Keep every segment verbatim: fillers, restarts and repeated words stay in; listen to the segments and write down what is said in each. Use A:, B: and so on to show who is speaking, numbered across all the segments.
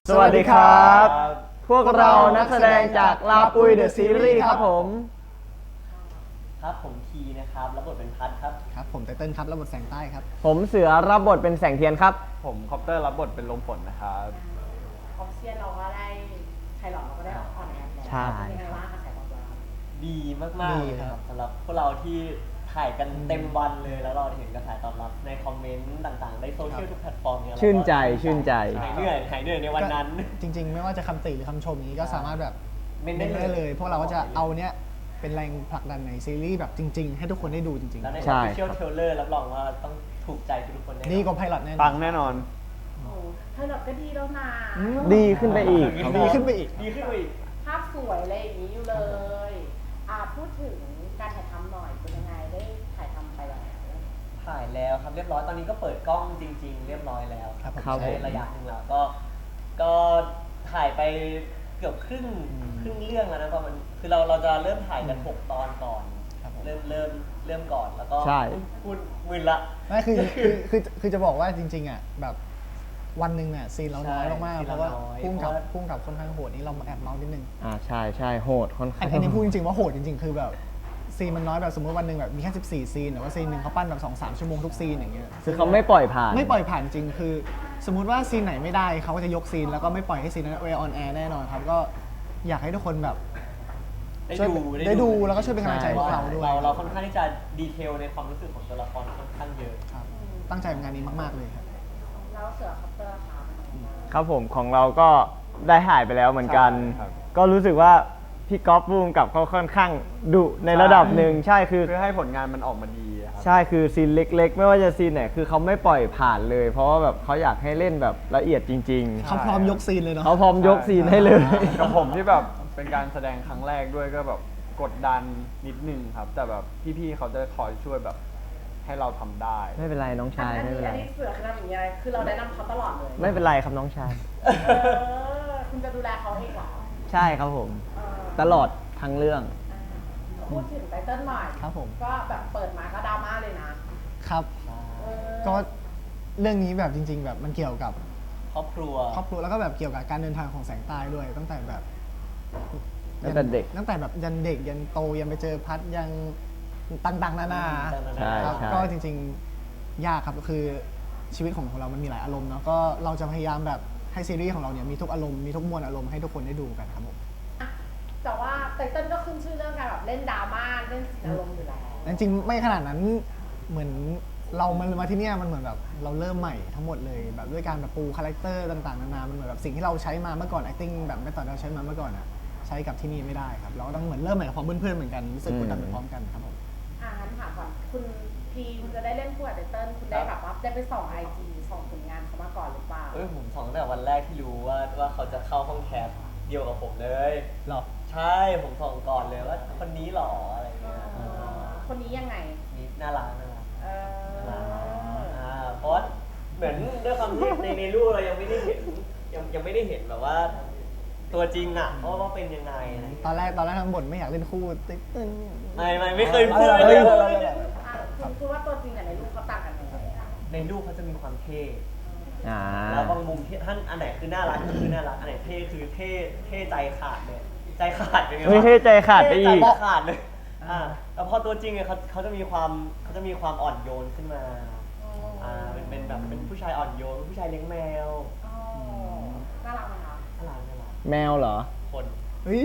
A: สวัสดีครับ พวกเรานักแสดงจากลาปุยเดอะซีรีส์ครับผม
B: ครับผมทีนะครับรับบทเป็นพัทครับ
C: ครับผมไตเติ้ลครับรับบทแสงใต้ครับ
A: ผมเสือรับบทเป็นแสงเทียนครับ
D: ผมคอปเตอร์รับบทเป็นลมฝนนะครับ
E: ออฟเชียนเราก็ได้ไทยหลอดเราก็ได้ออนแอร์แล้ว
A: ใช่
E: เป็นยังไงบ้างกระแสตอบรับ
B: ดีมากๆเลยครับสำหรับพวกเราที่ถ่ายกันเต็มวันเลยแล้วเราเห็นกระแสตอบรับในคอมเมนต์ต่างๆในโซเชียลทุกแพลตฟอร์มเนี่ย
A: ชื่นใจชื่นใจ
B: หายเหนื่อยหายเหนื่อยในวันนั้น
C: จริงๆ ไม่ว่าจะคำติหรือคำชมนี้ก็สามารถแบบ
B: เม้น
C: เม้น
B: ได้
C: ได้
B: เลย
C: เลย พวกเราก็จะเอาเนี้ยเป็นแรงผลักดันในซีรีส์แบบจริง ๆ ให้ทุกคนได้ดูจริง
B: แล้วใน
A: ใช่
B: Official Trailer รับรองว่าต้องถูกใจทุกคนแน่นอน
C: ๆดีกว่าไพลอตแน่น
D: ปั
C: อน
D: งแน่นอน
E: โอ้ไทยหลอดก็ดีแล้วนะ
A: ดีขึ้นไปอีก
C: ดีขึ้นไปอีก
B: ดีขึ้นไปอีก
E: ภาพสวยอะไรอย่างนี้อยู่เลยอ่าพูดถึงการถ่ายทำหน่อยเป็นยังไงได้ถ่ายทำไปแล้ว
B: ถ่ายแล้วครับเรียบร้อยตอนนี้ก็เปิดกล้องจริง ๆ เรียบร้อยแล้ว
C: ครับผม
A: ครับ
B: ใช้ระยะหนึ่งแล้วก็ก็ถ่ายไปเกือบครึ่งครึ่งเรื่องแล้วนะประมาณคือเราเราจะเริ่มถ่ายกันหกตอนก่อน
C: ครับผม
B: เริ่มเริ่มเริ่มก่อนแล้วก็
A: ใช่
B: พูดมึนละ
C: ไม่คือคือคือคือจะบอกว่าจริงๆอ่ะแบบวันหนึ่งเนี่ยซีนเราน้อยมากๆเพราะว่าพุ่งกับพุ่งกับค่อนข้างโหดนี่เราแอบเมาส์นิดนึง
A: อ่าใช่ใช่โหดค่อนข้า
C: อั
A: ง
C: นอันนี้พูดจริงๆว่าโหดจริงๆ คือแบบซีนมันน้อยแบบสมมติวันหนึ่งแบบมีแค่สิบสี่ซีนแต่ว่าซีนหนึ่งเขาปั้นแบบสองสามชั่วโมงทุกซีนอย่างเงี้ย
A: คือเขาไม่ปล่อยผ่าน
C: ไม่ปล่อยผ่านจริงคือ สมมุติว่าซีนไหนไม่ได้เขาก็จะยกซีนแล้วก็ไม่ปล่อยให้ซีนนั้นเวออนแอร์แน่นอนครับก็อยากให้ทุกคนแบบ
B: ได้
C: ช่วย
B: ดู
C: ได้ดูแล้วก็ช่วยเป็นกำลังใจพวกเราด้วย
B: เราเราค่อนข้างที่จะดีเทลในความรู้สึกของตัวละครค่อนข้างเยอะ
C: ครับตั้งใจกับงานนี้มากๆเลยครับ
E: แล้วเสือคัปเตอร์ค่ะเป็นยังไงบ้าง
A: ครับผมของเราก็ได้ถ่ายไปแล้วเหมือนกัน
D: ใช่ครับ
A: ก็รู้สึกว่าพี่ก๊อฟบูมกับเขาค่อนข้างดุในระดับหนึ่งใช่คือ
D: เพื่อให้ผลงานมันออกมาดีครับ
A: ใช่คือซีนเล็ก ๆ ไม่ว่าจะซีนไหนคือเขาไม่ปล่อยผ่านเลย เพราะว่าแบบเขาอยากให้เล่นแบบละเอียดจริง
C: เขาพร้อมยกซีนเลย
A: ๆ
C: เนาะ
A: เขาพร้อมยกซีนให้เลย
D: กับผมที่แบบเป็นการแสดงครั้งแรกด้วยก็แบบกดดันนิดนึงครับ แต่แบบพี่ๆเขาจะคอยช่วยแบบให้เราทำได้
A: ไม่เป็นไรน้องชาย
E: อัน
A: ไม่
E: นี้
A: เป็นไร
E: อันนี้เสือคือทำอย่างนี้อะไรคือเราแนะนำเขาตลอดเลย
A: ไม่เป็นไรครับน้องชาย
E: เออคุณจะดูแลเขาเองเหรอ
A: ใช่ครับผม
E: เออ
A: ตลอดทั้งเรื่อง
E: พูดถึงไตเติ้ลหน่อย
C: ครับผม
E: ก็แบบเปิดมาก็ดราม่าเลยนะครับ เออ
C: ก็เรื่องนี้แบบจริง ๆ แบบมันเกี่ยวกับ
B: ครอบครัว
C: ครอบครัวแล้วก็แบบเกี่ยวกับการเดินทางของแสงใต้ด้วย ตั้งแต่แบบ
A: ตั้งแต่เด็ก
C: ตั้งแต่แบบยันเด็กยันโตยันไปเจอพัดยังต่างๆนานา
A: ใช่
C: ครับ
A: ใช่
C: ก็จริงๆ ยากครับคือชีวิตของของเรามันมีหลายอารมณ์เนาะก็เราจะพยายามแบบให้ซีรีส์ของเราเนี่ยมีทุกอารมณ์มีทุกมวลอารมณ์ให้ทุกคนได้ดูกันครับผม
E: แต่ว่าไตเติ้ลก็ขึ้นชื่อเรื่องการแบบเล่นดราม่าเล่นสีนอารมณ์อยู่แล้ว
C: จริงๆไม่ขนาดนั้นเหมือนเรามันมาที่เนี่ยมันเหมือนแบบเราเริ่มใหม่ทั้งหมดเลยแบบด้วยการแบบปูคาแรคเตอร์ต่างๆนานามันเหมือนแบบสิ่งที่เราใช้มาเมื่อก่อน acting แบบไม่ตอนเราใช้มาเมื่อก่อนอะใช้กับที่นี่ไม่ได้ครับเราก็ต้องเหมือนเริ่มใหม่กับพร้อมเพื่อนๆเหมือนกันรู้สึกกดดันไปพร้อมกันครับผม
E: อ่างั้นถามก่อนคุณพีคุณจะได้เล่นคู่กับไตเติ้ลคุณได้แบบว่าได้ไปส่องไอจีส่องผลงานเขามาก่อนหรือเปล่า
B: เอ้ยผมสองตั้งแต่วันแรกที่รู้ว่าว่าเขาจะเข้าห้องแคสเดียวกับผมเลย
C: หรอ
B: ใช่ผมส่องก่อนเลยว่าคนนี้หรออะไรเงี้ย
E: เออคนนี้ยังไง
B: นี่น่ารักน่ารัก
E: เออ
B: อ่าเพราะว่าเหมือนด้วยความที่ในในรูปเรายังไม่ได้เห็นยังยังไม่ได้เห็นแบบว่า ตัวจริงอ่ะเพราะว่าเป็นยังไงอะไร
C: ตอนแรกตอนแรกทั้งบทไม่อยากเล่นคู่ติ๊กตึ้ง
B: ไม่ไม่ไม่เคยพูด
C: เฮ้
B: เลย ย
E: อ่ะคุณคิดว่าตัวจริงกับในรูปเขาต่างกันยังไง
B: ในรูปเขาจะมีความเท่
A: อ่า
B: แล้วบางมุมที่ท่านอันไหนคือน่ารักก็คือน่ารักอันไหนเท่คือเท่เท่ใจขาดเลยใจขาดเป็นไงวะ
A: ไม่ใช่ใจขาดไปอีก
B: เท่ใจขาดเลยอ่าแล้วพอตัวจริงเนี่ยเขาเขาจะมีความเขาจะมีความอ่อนโยนขึ้นมาอ่าเป็นเป็นแบบเป็นผู้ชายอ่อนโยนเป็นผู้ชายเลี้ยงแมว
E: อ๋อน่ารักไหมคะ
B: น่ารักน่ารัก
A: แมวเหรอ
B: คน
C: เฮ้ย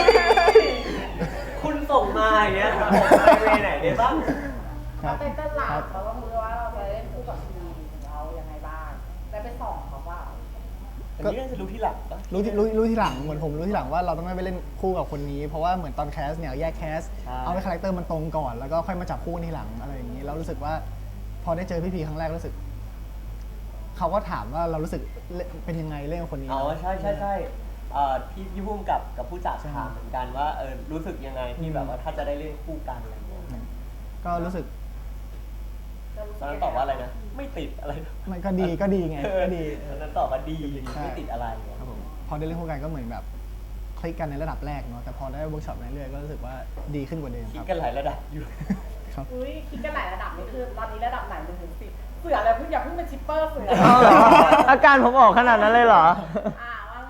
B: คุณส่งมาอย่างเงี้ยผมไปเวไหนได้บ้าง
C: ครับ
E: ไตเติ้ลหลั
C: ครับ บ
E: เขาต้องรู้ว่าเราจะเล่นคู่กับทีมเรายังไงบ้างได้ไปส่องเขาเปล่า
B: อันนี้น่าจะรู้ที่หลังปะ
C: รู้ที่รู้รู้ที่หลังเหมือนผมรู้ที่หลังว่าเราต้องไม่ไปเล่นคู่กับคนนี้ เพราะว่าเหมือนตอนแคสเนี่ยแยกแคสเอาให้คาแรคเตอร์มันตรงก่อนแล้วก็ค่อยมาจับคู่ที่หลังอะไรอย่างนี้แล้วรู้สึกว่าพอได้เจอพี่พีครั้งแรกรู้สึกเขาก็ถามว่าเรารู้สึกเป็นยังไงเล่นกับคนนี้
B: อ๋อใช่ใช่ใช่เอ่อพี่พี่พุ่มกับกับผู้จัด
C: ใช่
B: ถามเหมือนกันว่าเออรู้สึกยังไงที่แบบว่าถ้าจะได้เล่นคู่กันอะไรอย่างเงี้ย
C: ก็รู้สึก
E: จะรู้
B: ต
E: สึ
B: อน
E: ก
B: นั้นตอบว่าอะไรนะไม่ติดอะไรนะ
C: มันก็ดีก็ดีไงก็ดี
B: ตอนนั้นตอบว่าดี
C: ใช่
B: ไม่ติดอะไร
C: ครับผมพอได้เล่นคู่กันก็เหมือนแบบคลิกกันในระดับแรกเนาะแต่พอได้เวิร์กช็อปเรื่อยๆก็รู้สึกว่าดีขึ้นกว่าเดิม
B: คิ
C: ค
B: ด
C: รับ
B: กันหลายระดับอยู่
C: ครับ
E: อุ้ยคิดกันหลายระดับนี่คือตอนนี้ระดับไหนมันถึงสิบเสืออะไรเพิ่งอย่าเพิ่งเป็นชิปเปอร์เสือ
A: อาการผมออกขนาดนั้นเลยเหรอ
E: อ่าว่า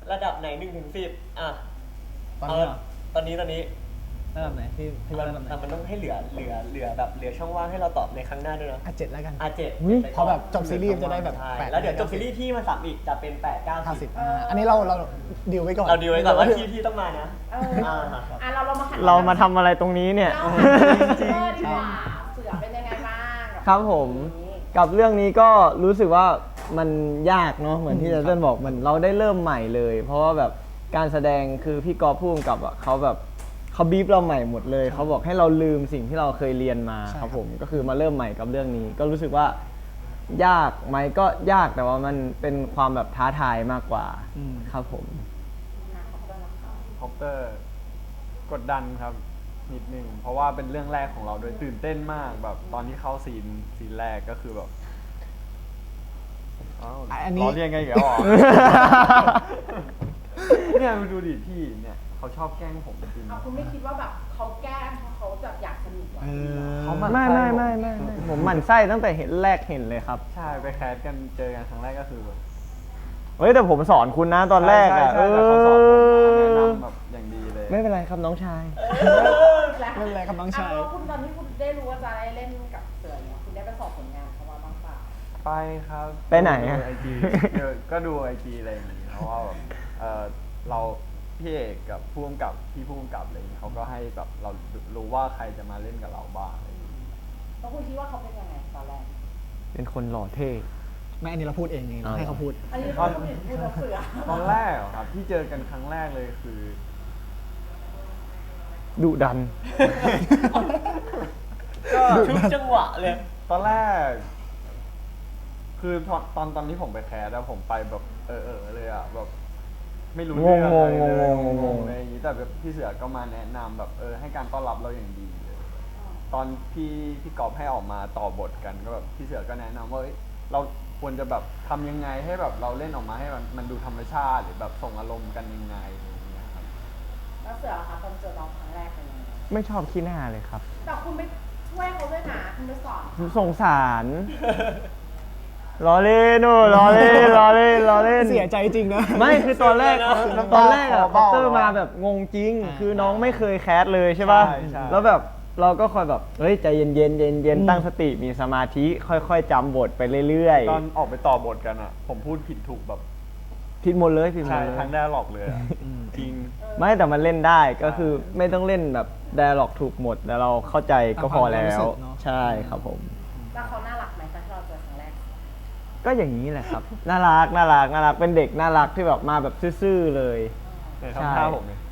B: ระดับไหนหนึ่งถึงสิบอ่ะ
C: ตอนนี้เหรอ
B: ตอนนี้ตอนนี้
C: ระดับไหนพี่พี่ว่าระดับไหน
B: แต่มันต้องให้เหลือเหลือเหลือแบบเหลือช่องว่างให้เราตอบในครั้งหน้าด้วยนะ
C: อ่ะเจ็ดแล้วกัน
B: อ่ะเจ็ด
A: อุ๊ย
B: ไปก่อน
C: พอแบบจบซีรีส์จะได้แบบ
B: ใช่
C: แปด
B: แล้วเดี๋ยวจบซีรีส์พี่มาสับอีกจะเป็นแปดเก้า
C: ห้า
B: สิ
C: สิ
B: บบ
C: อ่าอันนี้เราเราดีลไว้ก่อน
B: เราดีลไว้ก่อนว่าพี่พี่ต้องมานะ
E: เอออ่ะเราเรามาขัน
A: เรามาทำอะไรตรงนี้เนี่ย
E: เราจริงๆดีกว่าเสือเป็นยังไงบ้างกั
A: ครับผม
E: เรื่องนี้
A: กับเรื่องนี้ก็รู้สึกว่ามันยากเนาะเหมือนที่เต้นบอกเหมือนเราได้เริ่มใหม่เลย เพราะว่าแบบการแสดงคือพี่กอล์ฟพูดกับอ่ะเขาแบบเขาบีบเราใหม่หมดเลยเขาบอกให้เราลืมสิ่งที่เราเคยเรียนมา
C: ใช่
A: ครับผมก็คือมาเริ่มใหม่กับเรื่องนี้ ก็รู้สึกว่ายากไหมก็ยากแต่ว่ามันเป็นความแบบท้าทายมากกว่า
C: อืม
A: ครับผม
E: อ่ะขอบคุณนะคะ
D: คอปเตอร์กดดันครับนิดนึงเพราะว่าเป็นเรื่องแรกของเราด้วยตื่นเต้นมากแบบตอนที่เข้าซีนซีนแรกก็คือแบบอ้าว
C: อันนี้
D: ล้อเลียนกันอีกแล้วเหรอ เนี่ยมาดูดิพี่เนี่ยเขาชอบแกล้งผมจริง
E: เอาคุณไม่คิดว่าแบบเขาแกล้งเพราะเขาแบบอยากสนุกเหรอ
C: เออ
D: เขามัน
A: ไม่
D: ไส้
A: ไม่
D: ผม
A: ไม่ไม่ไม่ผมหมั่นไส้ตั้งแต่เห็นแรกเห็นเลยครับ
D: ใช่ไปแคสกันเจอกันครั้งแรกก็คือแบบ
A: เฮ้ยแต่ผมสอนคุณนะตอนแรกอ่ะ
D: ใช่
A: เอ
D: ใช่แต่เขาสอนผมแนะ
A: อ
D: นำแบบอย่างดีเลย
A: ไม่เป็นไรครับน้องชาย
E: แล้ว
C: ไม่เป็นไรครับน้องชาย
E: ะแล้วคุณตอนที่คุณได้รู้ว่าจะได้เล่นกับเสือเนี่ยคุณได้ไปสอบผลงานเขามาบ้างเปล่า
D: ไปครับ
A: ไปไหนอะ
D: ไอจีก็ดูไอจีอะไรอย่างงี้เพราะว่าแบบเออเราพี่เอกกับผู้กำกับพี่ผู้กำกับอะไรอย่างงี้เขาก็ให้แบบเรารู้ว่าใครจะมาเล่นกับเราบ้างอะไรอย่างงี้
E: แล้วคุณคิดว่าเขาเป็นยังไงตอนแรก
A: เป็นคนหล่อเท่
C: ไม่อันนี้เราพูดเองไงเราให้เขาพูด
E: อันนี้เราพูดถึงพูดกับเสือ
D: ตอนแรกเหรอครับที่เจอกันครั้งแรกเลยคือ
A: ดุดัน
B: ก็ทุกจังหวะเลย
D: ตอนแรก คือตอนตอนตอนที่ผมไปแคสแล้วผมไปแบบเออเออเลยอ่ะแบบไม่รู้เรื่องอะไรเลย
A: งงๆงงๆ
D: งๆอะไรอย่างงี้แต่แบบพี่เสือก็มาแนะนำแบบเออให้การต้อนรับเราอย่างดีเลยตอนพี่พี่กอล์ฟให้ออกมาต่อบทกันก็แบบพี่เสือก็แนะนำว่าเอ้ยเราควรจะแบบทำยังไงให้แบบเราเล่นออกมาให้มันมันดูธรรมชาติหรือแบบส่งอารมณ์กันยังไงอะไรอย่างเงี้ยครับ
E: แล้วเสือคะตอนเจอเราครั้งแรกเป็นยังไง
A: ไม่ชอบขี้หน้าเลยครับ
E: แต่คุณไปช่วยเขาด้วยนะคุณไปสอนเขา
A: สงสารล้อเล่นโน่ล้อเล่นล้อเล่นล้อเล่น
C: เสียใจจริงนะ
A: ไม่คือตอนแรก
D: น้ำตา
A: ตอนแรกอะ
D: คอ
A: คอป
D: เบ้า
A: เตอร์มาแบบงงจริง
C: อ่า
A: คือน้องไม่เคยแคสเลยใช่ป่ะ
D: ใช่ใช่
A: แล้วแบบเราก็คอยแบบเฮ้ยใจเย็นเย็นเย็นเย็น
C: อืม
A: ตั้งสติมีสมาธิค่อยๆจำบทไปเรื่อย
D: ตอนออกไปต่อบทกันอ่ะ ผมพูดผิดถูกแบบ
A: ๆผิดหมดเลยผิดหมด
D: ใช่
A: เลย
D: ทั้งได้หลอกเลยอ่ะ
C: อืม
D: จริง
A: ไม่แต่มันเล่นได้ก็คือไม่ต้องเล่นแบบไดอะล็อกถูกหมดแล้วเราเข้าใจก็พอแล้
C: ตามความรู้
A: ว
C: สึกเนอะ
A: ใช่ครับผม
E: แล้วเขาน่ารักไหมตอนที่เราเจอครั้งแรก
A: ก็อย่างนี้แหละครับ น่ารักน่ารักน่ารักเป็นเด็กน่ารักที่แบบมาแบบซื่อๆเลย
D: เนี่ย
A: ใช่
D: ทำท่าผมเลย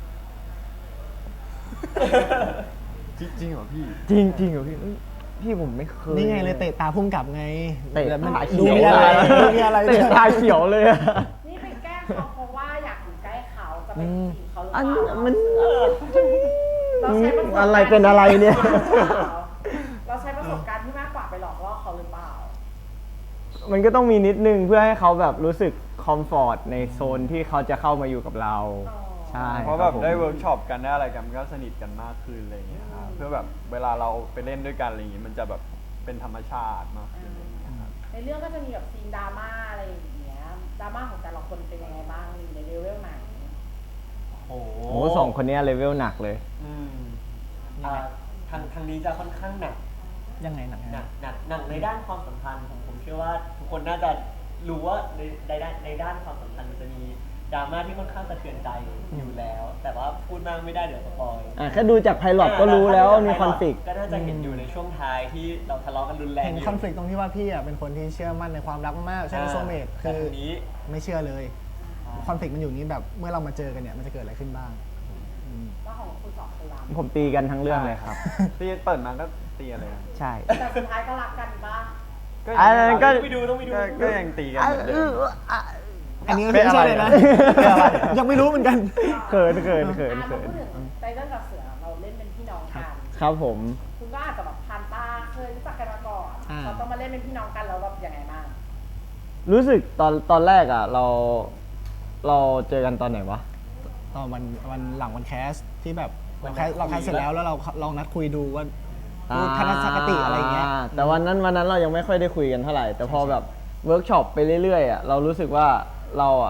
D: จริงจริงเหรอพี่
A: จริงจริงเหรอพี่เอ้ยพี่ผมไม่เคย
C: นี่ไงเลยเตะตาพุ่มกลับไง
A: เตะ
C: แล้วมัน
A: ตา
C: ดู
A: เขียว
C: มีอะไรดูมีอะไร
A: เตะตาเขียวเลยอะ
E: นี่ไปแกล้งเขาเพราะว่าอยากอยู่ใกล้เขาจะไป
A: อืม
E: จีบเขาหรือ
A: อัน
E: เปล่า
A: มัน
E: เราใช้ประสบการณ์
A: อะไรเป็นอะไรเนี่ย
E: เราใช้ประสบการณ์ที่มากกว่าไปหลอกล่อเขาหรือเปล่า
A: มันก็ต้องมีนิดนึงเพื่อให้เขาแบบรู้สึกคอมฟอร์ตในโซนที่เขาจะเข้ามาอยู่กับเรา
E: อ๋อ
A: ใช่
D: เพราะ
A: ค
D: แบบ
A: ผม
D: ได้เวิร์กช็อปกันได้อะไรกันมันก็สนิทกันมากขึ้นอะไรอย่างเงี้ยครับเพื่อแบบเวลาเราไปเล่นด้วยกันอะไรอย่างงี้มันจะแบบเป็นธรรมชาติมากขึ้นอะไรอย่างเงี้ยครับ
E: ในเรื่องก็จะมีแบบซีนดราม่าอะไรอย่างเงี้ยดราม่าของแต่ละคนเป็นยังไงบ้างอยู่ในเลเวลไหน
B: โอ้โห
A: โอ้โหสองคนเนี้เลเวลหนักเลย
B: อืมอ่าทางทางนี้จะค่อนข้างหนัก
C: ยังไงหนัง
B: หนักหนักหนักในด้านความสัมพันธ์ผมผมเชื่อว่าทุกคนน่าจะรู้ว่าในในด้านในด้านความสัมพันธ์มันจะมีดราม่าที่ค่อนข้างสะเทือนใจอยู่แล้ว แต่ว่าพูดมากไม่ได้เดี๋ยวสปอย
A: อ่ะแค่ดูจากไพลอตก็รู้แล้วว่ามีคอนฟ lict
B: ก็น่าจะเห็นอยู่ในช่วงท้ายที่เราทะเลาะกันรุนแรง
C: เห็น
B: ยู่
C: คอน flict ตรงที่ว่าพี่อ่ะเป็นคนที่เชื่อมั่นในความรักมากๆใช่ไหมโซเมต
B: แต่
C: คือ
B: ทีนี้
C: ไม่เชื่อเลยคอน flict มันอยู่นี้แบบเมื่อเรามาเจอกันเนี่ยมันจะเกิดอะไรขึ้นบ้างอืม
E: ว่าของคุณสองคนรัก
A: ผมตีกันทั้งเรื่องเลยครับ
D: ตีเปิดมาก็ตีอะไรกัน
A: ใช่
E: แต่สุดท้ายก็รักกันบ้าง
A: อันนั้นก็
B: ต้องไปดูต้องไปดู
D: ก็ก็ยังตีกันเหมือนเดิม
C: อันนี้ก็ไม่ใช่เลยนะ
A: เป็นอะไร
C: ยังไม่รู้เหมือนกัน
A: เขินเขินเขิน
E: อ่ะ
A: เขิ
E: เรา
A: น
E: พูดถึงไตเติ้ลกับเสือเราเล่นเป็นพี่น้องกัน
A: ครับผม
E: คุณก็อาจจะแบบผ่านตาเคยรู้จักกันมาก่อน
C: อ่า
E: เราต้องมาเล่นเป็นพี่น้องกันแล้วแบบยังไงบ้าง
A: รู้สึกตอนตอนแรกอ่ะ เราเราเจอกันตอนไหนวะ
C: ตอนวันวันหลังวันแคสที่แบบ
B: วั
C: เรา
B: น
C: แคส
B: นัดคุย
C: เราแคสเสร็จแล้วแล้วเราลองนัดคุยดูว่า
A: อ่า
C: ทัศนคติอะไรอย่างเงี้ย
A: แต่วันนั้นวันนั้นเรายังไม่ค่อยได้คุยกันเท่าไหร่ แต่พอแบบเวิร์กช็อปไปเรื่อยๆอ่ะเรารู้สึกว่าเราอ่ะ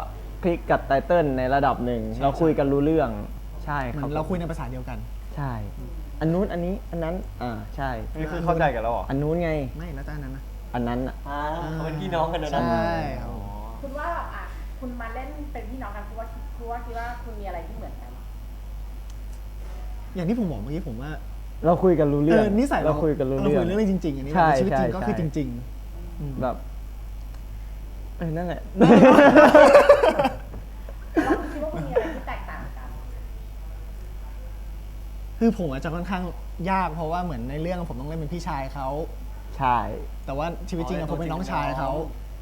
A: คลิกกับไตเติ้ลในระดับหนึ่งเราคุยกันรู้เรื่องใช่
C: เห
A: ค
C: มื
A: รั
C: อบ นเราคุยในภาษาเดียวกัน
A: ใช่ อันนู้นอันนี้อันนั้นอ่าใช่
D: นี่คือเข้าใจกันแล้วเหรอ
A: อันนู้นไง
C: ไม่แล้วแต่อันนั้นนะ
A: อันนั้นอ่ะ
B: อ่าเขาเป็นพี่น้องกันนะ
C: ใช่
B: นะ
C: ครับ
E: คุณว่าแบบอ่ะคุณมาเล่นเป็นพี่น้องกันคุณว่าคุณว่าคิดว่าคุณมีอะไรที่เหมือนกัน
C: อย่างที่ผมบอกเมื่อกี้ผมว่า
A: เราคุยกันรู้
C: เอ
A: เรื่อง
C: อนิสัย
A: เราคุยกันรู้เรื่อง
C: เราคุยเรื่องจริงๆอันนี้
A: ใช่
C: ในชีวิตจริง
A: ใช่
C: ก็คือ
A: ใช่
C: จริงๆอืม
A: แบบเออนั่นแหละ
E: แล้วคุณคิดว่าคุณมีอะไรที่แตกต่างกัน
C: คือผมอาจจะค่อนข้างยากเพราะว่าเหมือนในเรื่องผมต้องเล่นเป็นพี่ชายเขา
A: ใช่
C: แต่ว่าชีวิตจริงอะ
B: อ๋อ
C: ผมเป็นน้องชาย
B: ตัวจริงเป็นน้
C: เขา
B: อง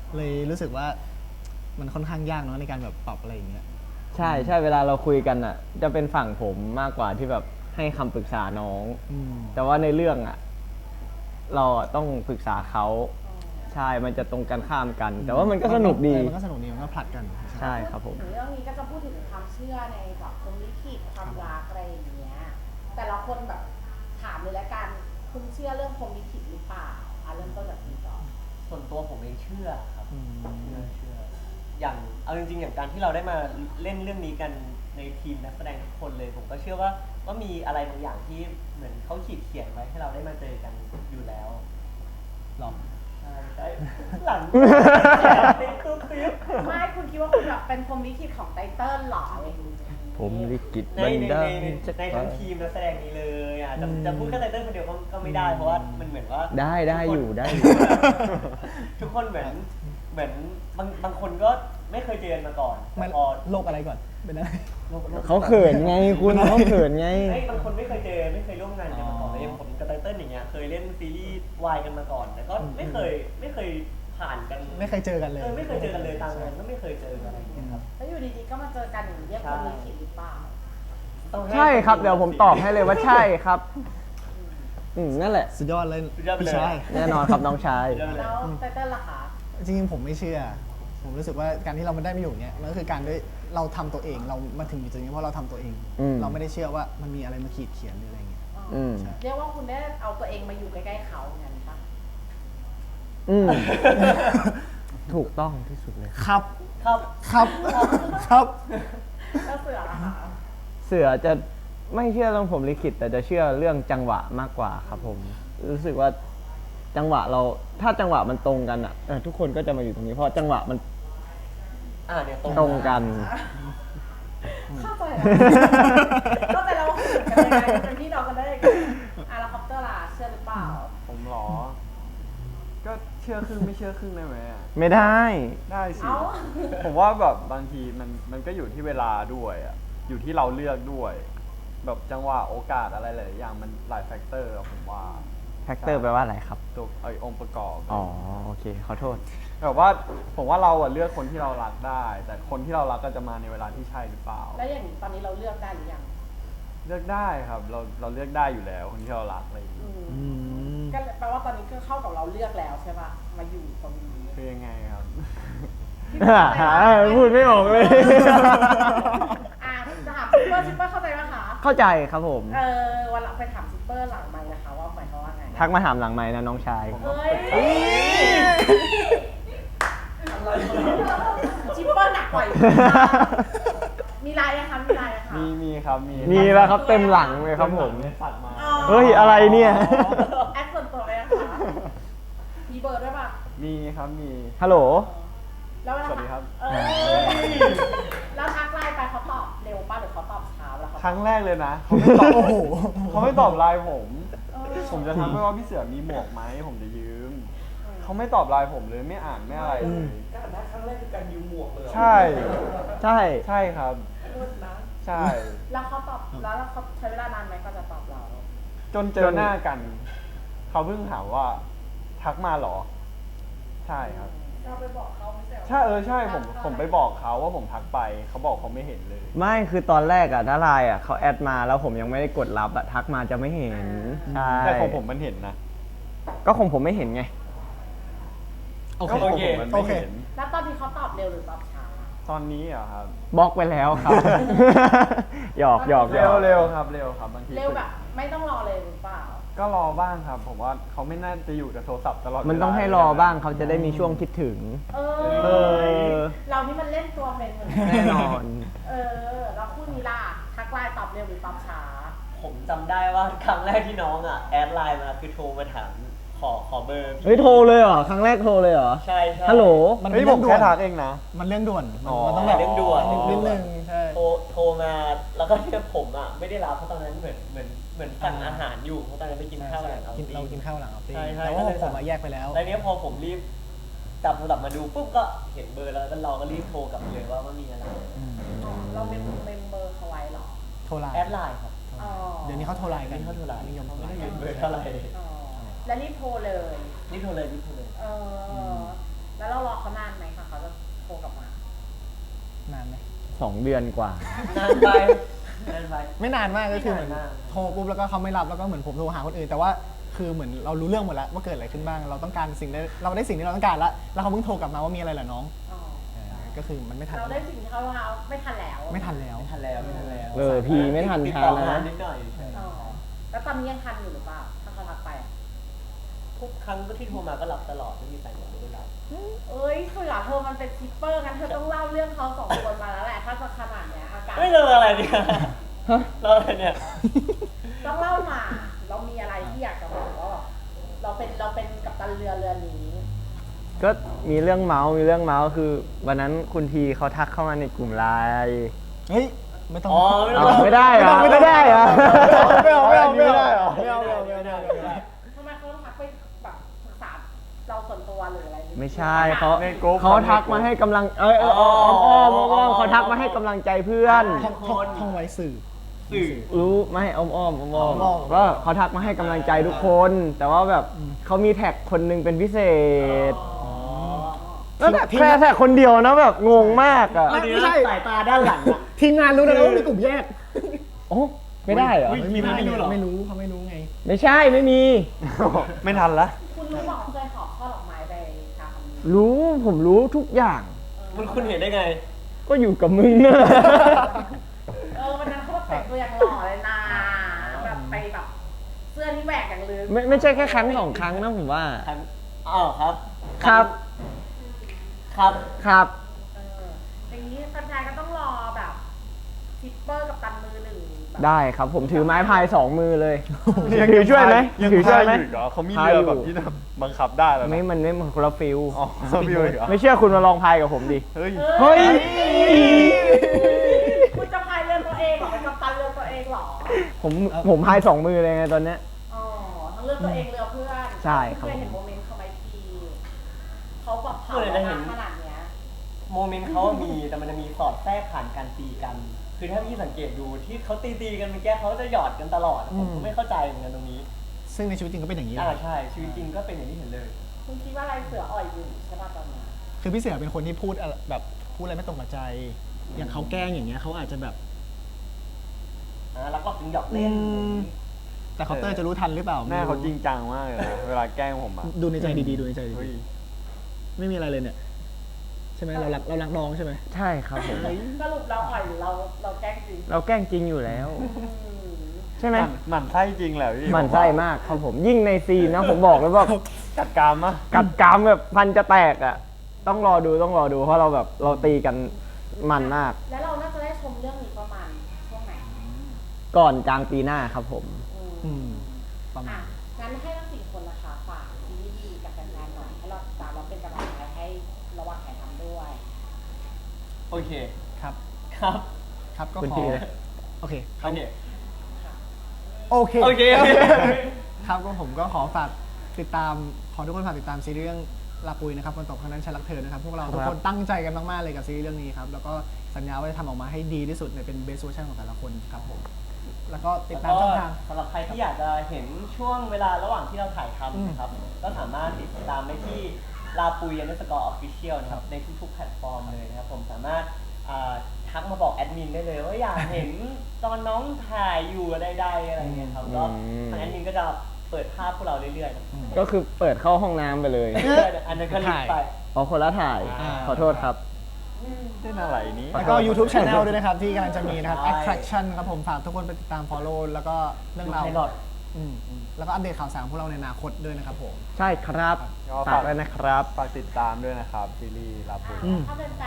C: เลยรู้สึกว่ามันค่อนข้างยากเนาะในการแบบปรับอะไรอย่างเงี้ย
A: ใช่ใช่เวลาเราคุยกันอ่ะ จะเป็นฝั่งผมมากกว่าที่แบบให้คำปรึกษาน้อง
C: อืม
A: แต่ว่าในเรื่องอ่ะ เราอะต้องปรึกษาเขาใช่มันจะตรงกันข้ามกัน แต่ว่ามันก็สนุกดี
C: เออมันก็สนุกดีมันก็ผลัดกัน
A: ใช่ครับผม
E: ถึงเรื่องนี้ก็จะพูดถึงความเชื่อในแบบพรหมลิขิตความรักอะไรอย่างเงี้ย แต่ละคนแบบถามเลยละกัน คุณเชื่อเรื่องพรหมลิขิตหรือเปล่าอ่ะเริ่มต้นจากคุณก่อน
B: ส่วนตัวผมเองเชื่อครับ
C: อืม
B: เชื่อเชื่ออย่างเอาจริงๆอย่างการที่เราได้มาเล่นเรื่องนี้กันในทีมนักแสดงทุกคนเลย ผมก็เชื่อว่าว่ามีอะไรบางอย่างที่เหมือนเขาขีดเขียนไว้ให้เราได้มาเจอกันอยู่แล้ว
C: หรอ
B: ใช่ใช่หลังติ๊กตุ๊กติ๊ก
E: ไม่คุณคิดว่าคุณแบบเป็นพรหมลิขิตของไตเติ้ลเหรออะไรอย่างงี้
A: ผมลิขิต
B: ใน
A: บัน
B: ใน
A: ดา
B: ใน
A: ล
B: ใน
A: จะ
B: ในทั้งทีมนักแสดงนี้เลยอ่ะจะ
C: อืม
B: จะพูดแค่ไตเติ้ลคนเดียวก็ก็ไม่ได้เพราะว่ามันเหมือนว่า
A: ได้ได้
B: ทุกคน
A: อยู่ได้อยู่
B: ทุกคนเหมือนเหมือนบางบางคนก็ไม่เคยเจอกันมาก่อน
C: มัน
B: แต่พอ
C: โลกอะไรก่อนเป็นอะไร
B: โลกโลก
A: เขาเขินไงคุณเขาเขินไง
B: เฮ้ยบางคนไม่เคยเจอไม่เคยร่วมงานกันมาก่อน
C: อ๋อ
B: เลยางผมกับไตเติ้ลอย่างเงี้ยเคยเล่นซีรีส์วายกันมาก่อน แต่ก็ไม่เคยไม่เคยผ่านกัน
C: ไม่เคยเจอกันเลย
B: เออไม่เคยเจอกันเลยตามงานก็ไม่เคยเจออะไรอย่างเงี้ยครับ
E: แล้วอยู่ดีๆก็มาเจอกันอย่างนี้เรียกพรหมลิขิตหรือเปล่า
B: ต้องห้
A: ใช่ครับเดี๋ยวผมตอบให้เลยว่าใช่ครับ อืมนั่นแหละ
C: สุดยอดเลย
B: สุดยอดไปเลย
C: พี่ชาย
A: แน่นอนครับน้องชาย
B: เรื่องเลย
E: แล้วไตเติ้ลล่ะคะ
C: จริงๆผมไม่เชื่อ ผมรู้สึกว่าการที่เรามาได้มาอยู่เนี้ยมันก็คือการด้วยเราทำตัวเองเรามาถึงอยู่ตรงนี้เพราะเราทำตัวเอง
A: อืม
C: เราไม่ได้เชื่อว่ามันมีอะไรมาขีดเขียนหรืออะไรเงี้ย
A: อืม
E: เรียกว่าคุณได้เอาตัวเองมาอยู่ใกล้ๆเขาอย่างนั้นปะ
A: อืม ถูกต้องที่สุดเลย
C: ครับ
B: ครับ
C: ครับครับ
E: แล้วเสือล่ะคะ
A: เสือจะไม่เชื่อเรื่องผมลิขิตแต่จะเชื่อเรื่องจังหวะมากกว่าครับผม รู้สึกว่าจังหวะเราถ้าจังหวะมันตรงกันอ่ะเออทุกคนก็จะมาอยู่ตรงนี้เพราะจังหวะมัน
B: อ่าเนี่ยตรง
A: ตรงกัน
E: เข้าใจแล้วเข้าใจแล้วว่าคุณอยู่กันยังไงเป็นพี่น้องกันได้ยังไงอ่ะแล้วคอปเตอร์ล่ะเชื่อหรือเปล่า
D: ผมเหรอ ก็เชื่อครึ่งไม่เชื่อครึ่งได้ไหมอะ
A: ไม่ได้
D: ได้สิ
E: เอ้า
D: ผมว่าแบบบางทีมันมันก็อยู่ที่เวลาด้วยอ่ะ อยู่ที่เราเลือกด้วย แบบจังหวะโอกาสอะไรหลายๆอย่างมันหลายแฟกเตอร์อะผมว่า
A: แฟกเตอร์แปลว่าอะไรครับ
D: ตัวไอองค์ประกอบ
A: อ๋อ โอเค ขอโทษ
D: แบบว่าผมว่าเราอะเลือกคนที่เรารักได้ แต่คนที่เรารักก็จะมาในเวลาที่ใช่หรือเปล่า
E: แล้วอย่างนี้ตอนนี้เราเลือกได้หรือยัง
D: เลือกได้ครับ เราเราเลือกได้อยู่แล้วคนที่เรารักอะไรอย่าง
E: อื
D: เงี้ย
E: ม
C: อืม
E: ก็แปลว่าตอนนี้ก็เข้ากับเราเลือกแล้วใช่ปะมาอยู่ตรงนี้
D: คือยังไงครับ
A: พูดไม่ออกเลย
E: อ่ะจะถามซิปเปอร์ซิปเปอร์เข้าใจไหมคะ
A: เข้าใจครับผม
E: เออวันหลังไปถามซิปเปอร์หลังไมค์นะคะว่าหมายความว่าไง
A: ทักมาถามหลังไม้นะน้องชาย
E: เฮ้ยซิปเปอร์หนักกว่าอีกมีลายนะคะมีลายนะคะ
D: มีมีครับมี
A: มีแล้วครับเต็มหลังเลยครับผม
D: เนี่ยสัตว์มา
E: อ๋อ
A: เฮ้ย อะไรเนี่ย
E: แอดส่วนตัวเลยนะคะมีเบอร์ด้วยป่ะ
D: มีครับมี
A: ฮัลโหล
E: แล้วเวลา
D: สวัสดีครับ
E: เออแล้วทักไลน์ไปเขาตอบเร็วป่ะหรือเขาตอบช้าแล้วเขา
D: ครั้งแรกเลยนะเขาไม่ตอบ
C: โอ้โห
D: เขาไม่ตอบไลน์ผม
E: เออ
D: ผมจะทักไปว่าพี่เสือมีหมวกไหมผมจะยืม เขาไม่ตอบไลน์ผมเลยไม่อ่านไม่อะไรเลย
B: การนัดครั้งแรกคือการยืมหมวกเลย
D: ใช่
A: ใช่
D: ใช่ครับ
B: พูดนะ
D: ใช่
E: แล้วเขาตอบแล้วเขาใช้เวลานานไหมก็จะตอบเรา
D: จนเจอหน้ากัน เขาเพิ่งถามว่า ทักมาเหรอ ใช่ครับ
E: เราไปบอกเขาไม่ใช่หรอ
D: ใช่เออใช่ผมผมไปบอกเขาว่าผมทักไป เขาบอกเขาไม่เห็นเลย
A: ไม่คือตอนแรกอะถ้าไลน์อะเขาแอดมาแล้วผมยังไม่ได้กดรับอะทักมาจะไม่เห็น ใช่
D: แต่ของผมมันเห็นนะ
A: ก็ของผมไม่เห็นไง
C: โอเค
D: ก็ของผมมัน
C: โอ
D: ไม่
C: เค
D: เห็น
E: แล้วตอนที่เขาตอบเร็วหรือตอบช้า
D: ตอนนี้เหรอครับ
A: บล็อกไปแล้วครับ หยอกหยอกหย
D: เร็
A: อ
D: ว
A: ก
D: เร็วครับเร็วครับบางที
E: เร็วแบบไม่ต้องรอเลยหรือเปล่า
D: ก็รอบ้างครับ ผมว่าเขาไม่น่าจะอยู่กับโทรศัพท์ตลอด
A: มันต้องให้รอบ้างเขาจะได้มีช่วงคิดถึง
E: เอ
A: เอ
E: อ
A: อ
E: เรานี่มันเล่นตัวเป็นเหมือน
A: แน่นอน
E: เออแล้วคู่นี้ล่ะทักไลน์ตอบเร็วหรือตอบช้า
B: ผมจำได้ว่าครั้งแรกที่น้องอ่ะแอดไลน์มาคือโทรมาถามขอขอเบอร์พี่
A: เฮ้ยโทรเลยเหรอ ครั้งแรกโทรเลยเหรอ
B: ใช่ใช่
A: ฮัลโหล
C: มัน
D: เฮ้
C: เป็
D: ย
C: น
D: ผ
C: เรื่องด่ว
D: มแค่
C: น
D: ทักเองนะ
C: มันเรื่องด่วน มัน
D: อ๋อ
C: มันต้องแบบ
B: เรื่องด่วน
C: นิดนึงใช่
B: โทรโทรมาแล้วก็ที่ผมอ่ะไม่ได้รับเพราะตอนนั้นเหมือนเหมือนเหมือนสั่งอาหารอยู่เพราะตอนนั้นไปกินข้าวกันเอา
C: กินเรากินข้าวหลังเอาตี
B: ใช่ใช่
C: แต่ว่า
B: ก็เลย
C: ผมมาแยกไปแล้ว
B: แล้วเนี้ยพอผมรีบจับโทรศัพท์มาดูปุ๊บก็เห็นเบอร์แล้วก็เราก็รีบโทรกลับไปเลยว่าว่ามีอะไร
E: อ๋อเราเมมเมมเบอร์เขาไว้เหรอ
C: โทรไลน์
B: แอดไลน์ครับ
E: อ๋อ
C: เดี๋ยวนี้เขาโทรไลน์กัน
B: นี่เขาโทรไลน์
C: นิยมโทรไล
B: ไม่
C: น์
B: ได้
C: กัน
B: เบอร์เท่าไหร่
E: อ๋อแล้วรีบโทรเลย
B: รีบโทรเลยรีบโทรเลย
E: เออแล้วเรารอเขานานไหมคะเขาจะโทรกลับมา
C: นานไหม
A: สองเดือนกว่า
B: นานไปนานไป
C: ไม่นานมากก็คือเหมือน
B: ไม่นานมาก
C: โทรปุ๊บแล้วก็เขาไม่รับแล้วก็เหมือนผมโทรหาคนอื่น แต่ว่าคือเหมือนเรารู้เรื่องหมดแล้วว่าเกิดอะไรขึ้นบ้าง เราต้องการสิ่งได้เราได้สิ่งที่เราต้องการแล้วแล้วเขาเพิ่งโทรกลับมาว่ามีอะไรเหรอน้อง
E: อ๋อ
C: เออก็คือมันไม่ทัน
E: เราได้สิ่งที่เขาเอาไม่ทันแล้ว
C: ไม่ทันแล้ว
B: ไม่ทันแล้วไม่ทันแล้ว
A: เออพี่ไม่ทัน
B: ติด
A: ทั
B: ต่
A: น
B: อ
A: นะ
B: มานิดหน่อยใช่
E: อ๋อแล้วตอนนี้ยังทันอยู่หรือเปล่าถ้าเขาทักไปอะ
B: ทุกครั้งก็ที่โทรมาก็รับตลอดไม่มีสายหมดไม่ได้รับ
E: เอ้ยเสือเธอมันเป็นซิปเปอร์งั้นเธอต้องเล่าเรื่องเขาสองคนมาแล้วแหละถ้าจะขนาดเนี้ยอาการ
B: ไม่เลยอะไรเนี่ย
A: ฮะ
B: เราอะไรเนี่ย
E: ต้องเล่ามา เรามีอะไรที่อยากจะบอกว่าแบบเราเป็นเราเป็นกัปตันเรือเรือนี้
A: ก็มีเรื่องเมาส์มีเรื่องเมาส์คือวันนั้นคุณทีเขาทักเข้ามาในกลุ่มไลน์
C: เฮ้ยไม่ต้อง
B: อ๋อไม่ต้
A: อ้า
B: อง
A: วไม่ได้เหรอไม่ได้เหรอ
C: ไม่เอาไม่เอาไม่เอา
A: ไม่ได้เหรอ
C: ไม่เอาไม่เอาไม่เอาไม่เอาไม่เอา
E: ทำไมเขาต้องทักไปแบบปรึกษาเราส่วนตัวหรืออะไร
A: ไม่ใช่เขา
D: ในกรุ๊ป
A: เขาทักมาให้กำลังเอยเอยอ้อมอ้อมอ้อมอ้อมเขาทักมาให้กำลังใจเพื่อน
C: ท่องท่องท่องไว้สื่อ
B: สื่อ
A: รู้ไม่อ้อมอ้อมอ้อมอ้อม
C: อ้อม
A: ว่าเขาทักมาให้กำลังใจทุกคน แต่ว่าแบบเขามีแท็กคนหนึงเป็นพิเศษแล้วแบบแค่แท็กคนเดียวนะแบบงงมากอ่ะ
C: ไม่ใช่
B: สายตาด้านหลังอะ
C: ทีมงานรู้นะว่ามีกลุ่มแยก
A: โอ้ไม่ได้เหรอ
C: ไม่มีไม่รู้หรอไม่รู้เขาไม่รู้ไง
A: ไม่ใช่ไม่มี
D: ไม่ทันละ
E: คุณรู้บอกเคยขอข้อดอกไม้ไปทำ
A: รู้ผมรู้ทุกอย่าง
B: คุณคุณเห็นได้ไง
A: ก็อยู่กับมึงเนี่ย
E: เออวันนั้นเขาแบบแต่งตัวอย่างหล่อเลยนะแบบไปแบบเสื้อที่แหวกอย่างลืม
A: ไม่ไม่ใช่แค่ครั้งสองครั้งนะผมว่า
B: ครับอ้าวครับ
A: ครับ
B: ครับ
A: ครับ
E: เอออย่างนี้แฟนๆก็ต้องรอแบบซิปเปอร์กับตันมือหนึ่งแบบ
A: ได้ครับผมถือไม้พายสองมือเลยถือช่วยไหม
D: ยัง
A: ถือช่วยไหม
D: พาอยู่อีกเหรอเขามีเรือแบบที่แบบบังคับได้แล้วนะ
A: ไม่มันไม่เหมือนคนละฟิล
D: อ๋อเขามีเลยเหรอ
A: ไม่เชื่อคุณมาลองพายกับผมดิ
D: เฮ้ย
A: เฮ้ย
E: คุณจะพายเรือตัวเองเหรอเป็นกัปตันเรือตัวเองเหรอ
A: ผมผมพายสองมือเลยไงตอนเนี้ย
E: อ๋อทั้งเรือตัวเองเรือเพื่อน
A: ใช่ครับ
E: เคยเห็นโมเมนต์เขาไหมพี่เขาแบบเผา
B: เคยได้เห็น
E: ขนาดเนี้ย
B: โมเมนต์เขามีแต่มันจะมีสอดแทรกผ่านการตีกัน คือถ้าพี่สังเกตดูที่เขาตีตีๆกันเมื่อกี้เขาจะหยอดกันตลอด ผมก็ไม่เข้าใจเหมือนกันตรงนี้
C: ซึ่งในชีวิตจริงก็เป็นอย่างนี้แห
B: อ่า
C: ละ
B: ใช่ชีวิตจริงก็เป็นอย่างที่เห็นเลย
E: คุณคิดว่าอะไรเสืออ่อยอยู่ใช่ป่ะตอนนี้
C: คือพี่เสือเป็นคนที่พูดอะไรแบบพูดอะไรไม่ตรงกับใจ อย่างเขาแกล้งอย่างเงี้ยเขาอาจจะแบบ
B: อ่าแล้วก็ถึงหยอกเล่น
C: อืม แต่เคาน์เตอร์จะรู้ทันหรือเปล่า
D: แม่เขาจริงจังมากเลยนะเวลาแกล้งผมอ่ะ
C: ดูในใจดีๆดูในใจดี
D: เฮ้ย
C: ๆไม่มีอะไรเลยเนี่ยใช่ไหมเรารักเรารักน้องใช่ไหม
A: ใช่ครับผม
E: สรุปเราอ่อยหรือเราเราแกล้งจริง
A: เราแกล้งจริงอยู่แล้ว
E: อืม
A: ใช่ไหม
D: มันหมันไส้จริงแหละพี่
A: หมันไส้มากครับผมยิ่งในซีนนะผมบอกเลยว่า
D: จัดการมะ
A: กัดกรามแบบพันจะแตกอ่ะ ต้องรอดูต้องรอดูเพราะเราแบบเราตีกันมันมาก
E: แล้วเราน่าจะได้ชมเรื่องนี้ประมาณช่วงไหน
A: ก่อนกลางปีหน้าครับผม
C: อืมประมา
E: อ่ะ
C: ณ
E: งั้นให้ทั้งสี่คนนะคะฝากซีรีส์กับแฟนๆหน่อยให้เราติดตามเราเป็นกำลังใจให้ระหว่างถ่ายทำด้วย
B: โอเค
C: ครับ
B: ครับ
C: ครับก็
A: คุณ
C: ขอ
A: ทีเลย
C: โอเค
B: โอเค
C: โอเค
B: โอเค
C: ครับก็ผมก็ขอฝากติดตามขอทุกคนฝากติดตามซีรีส์เรื่องลาปุยนะครับคนตกครั้งนั้นฉันรักเธอนะครับพวกเราทุกคนตั้งใจกันมากๆเลยกับซีรีส์เรื่องนี้ครับแล้วก็สัญญาว่าจะทำออกมาให้ดีที่สุดในเป็นเบสเวอร์ชันของแต่ละคนครับผมแล้วก็ติดตามช่องทาง
B: สำหรับใครที่อยากจะเห็นช่วงเวลาระหว่างที่เราถ่ายทำนะครับ ก็สามารถติดตามได้ที่ลาปุยอันดับสกอร์ออฟฟิเชียลนะครับในทุกๆแพลตฟอร์มเลยนะครับผมสามารถอ่าทักมาบอกแอดมินได้เลยว่าอยากเห็นตอนน้องถ่ายอยู่ใดๆอะไรเงี้ยครับก็
A: อืม
B: ทางแอดมินก็จะเปิดภาพพวกเราเรื่อยๆนะ
A: ก็คือเปิดเข้าห้องน้ำไปเลย
B: อันนั้นก็ลิงก์ไป
A: อ๋อคนละถ่าย
C: อ่า
A: ขอโทษครับ
D: เล่นอะไรนี้
C: แล้วก็ YouTube Channel ด้วยนะครับ ที่กำลังจะมีนะครับ Attraction ครับผมฝากทุกคนไปติดตาม follow แล้วก็เรื่องราว
B: ดู Pilot
C: อืมแล้วก็อัปเดตข่าวสารของพวกเราในอนาคตด้วยนะครับผม
A: ใช่ครับ
D: ก็
A: ฝากด้วยนะครับ
D: ฝากติดตามด้วยนะครับซีรีส์ลาปุย
C: อืม
E: ถ้าเป็นแฟนอยากให้กำ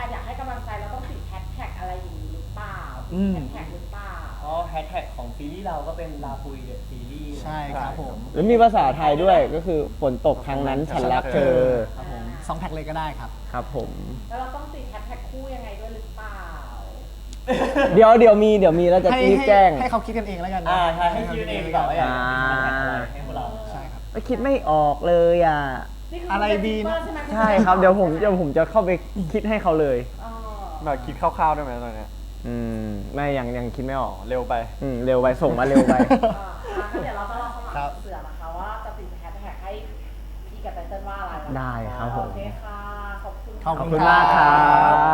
E: ำลังใจเราต้องติดแฮชแท็กอะไรอย่างนี้หรือเปล่า
C: อืม
E: แฮชแท็กหรือเปล่า
B: อ๋อแฮชแท็กของซีรีส์เราก็เป็นลาปุยเดอะซีรีส์
C: ใช่ครับผม
A: แล้วมีภาษาไทยด้วยก็คือฝนตกครั้งนั้นฉันรักเธอ
C: ครับผมสองแท็กเลยก็ได้ครับ
A: ครับผม
E: แล้วเราต้องติดแฮชแท็กคู่ยังไงด้วยหรือเปล่า
A: เดี๋ยวเดี๋ยวมีเดี๋ยวมีแล้วจะ
C: ให้
A: รีบ
C: ให้
A: แจ้ง
C: ให้เขาคิดกันเองแล้วกันนะ
B: อ่าใช่ให้คิดเองดีกว่าว่าอยากจะติดแฮชแท็กอะไรให้พวกเรา
C: ใช่ครับ
A: ไม่คิดไม่ออกเลยอ่ะ
E: นี่คื
C: อะไรดีนะ
E: ใช่ไหม
A: ใช่ครับเดี๋ยวผมเดี๋ยวผมจะเข้าไปคิดให้เขาเลย
E: อ๋อ
D: แบบคิดคร่าวๆได้ไหมตอนเนี้ย
A: อืมไม่ยังยังคิดไม่ออก
D: เร็วไป
A: อืมเร็วไปส่งมาเร็วไป
E: อ่าอ่ะงั้นเดี๋ยวเราจะลองสมัค
C: ครับ
E: รเสือนะคะว่าจะติดแฮชแท็กให้พี่กับไตเติ้ลว่าอะไร
A: ได้ครับผม
E: โอเคค่ะ ขอบคุณ
C: ขอบ
A: ขอบคุณมากครับ